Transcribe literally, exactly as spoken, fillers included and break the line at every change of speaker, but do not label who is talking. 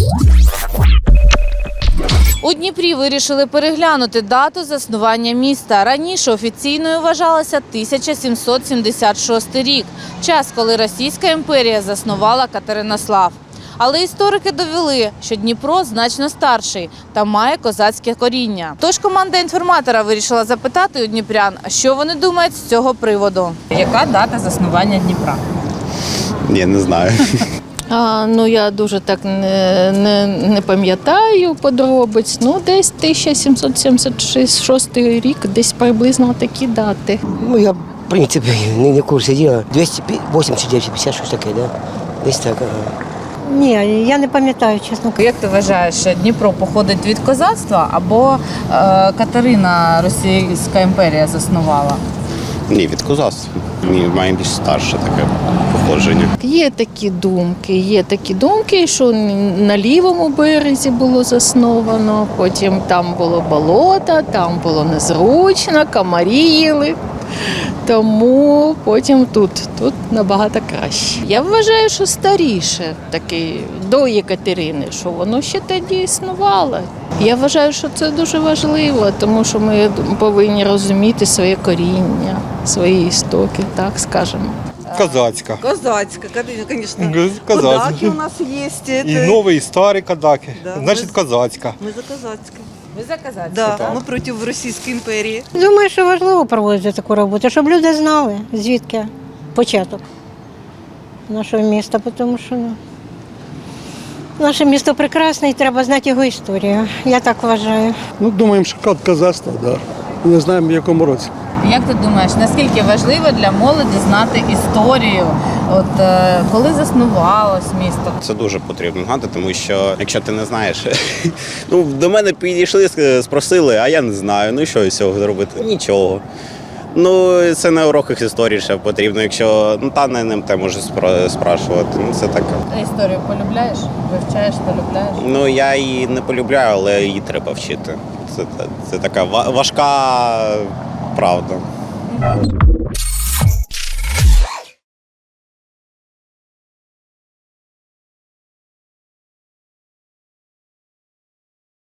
У Дніпрі вирішили переглянути дату заснування міста. Раніше офіційною вважалася тисяча сімсот сімдесят шостий рік – час, коли Російська імперія заснувала Катеринослав. Але історики довели, що Дніпро значно старший та має козацьке коріння. Тож команда інформатора вирішила запитати у дніпрян, що вони думають з цього приводу. Яка дата заснування Дніпра?
Ні, не знаю.
А, ну, я дуже так не, не, не пам'ятаю подробиць. Ну, десь тисяча сімсот сімдесят шостий рік, десь приблизно такі дати.
Ну, я, в принципі, не, не в курсі діла. двісті вісімдесят дев'ять п'ятдесят, щось таке, да? Десь так, ага.
Ні, я не пам'ятаю, чесно.
Як ти вважаєш, Дніпро походить від козацтва або е, Катерина Російська імперія заснувала?
Ні, від козацтва. Ні, має більш старше таке походження.
Є такі думки, є такі думки, що на лівому березі було засновано, потім там було болото, там було незручно, комарі їли. Тому потім тут, тут набагато краще. Я вважаю, що старіше, таки, до Єкатерини, що воно ще тоді існувало. Я вважаю, що це дуже важливо, тому що ми повинні розуміти своє коріння, свої істоки, так скажемо.
Казацька.
Казацька, конечно.
Казацька.
Кадаки у нас есть. Это...
И новые, и старые кадаки.
Да,
Значит,
мы-
казацька.
Мы за казацкой.
Ви за козацьку?
Да,
так.
мы против Российской империи.
Думаю, що важливо проводити таку роботу, щоб люди знали, звідки початок нашого міста, тому що ну, наше місто прекрасне і треба знати його історію. Я так вважаю.
Ну, думаємо, що код казацтва, да. Не знаємо, в якому році.
Як ти думаєш, наскільки важливо для молоді знати історію? От е, коли заснувалось місто?
Це дуже потрібно знати, тому що якщо ти не знаєш, ну до мене підійшли, спросили, а я не знаю. Ну і що з цього зробити? Нічого. Ну це на уроках історії ще потрібно. Якщо ну та не ним те може спра- спрашувати. Ну це таке.
Ти історію полюбляєш? Вивчаєш, полюбляєш?
Ну я її не полюбляю, але її треба вчити. Це, це така ва- важка правда.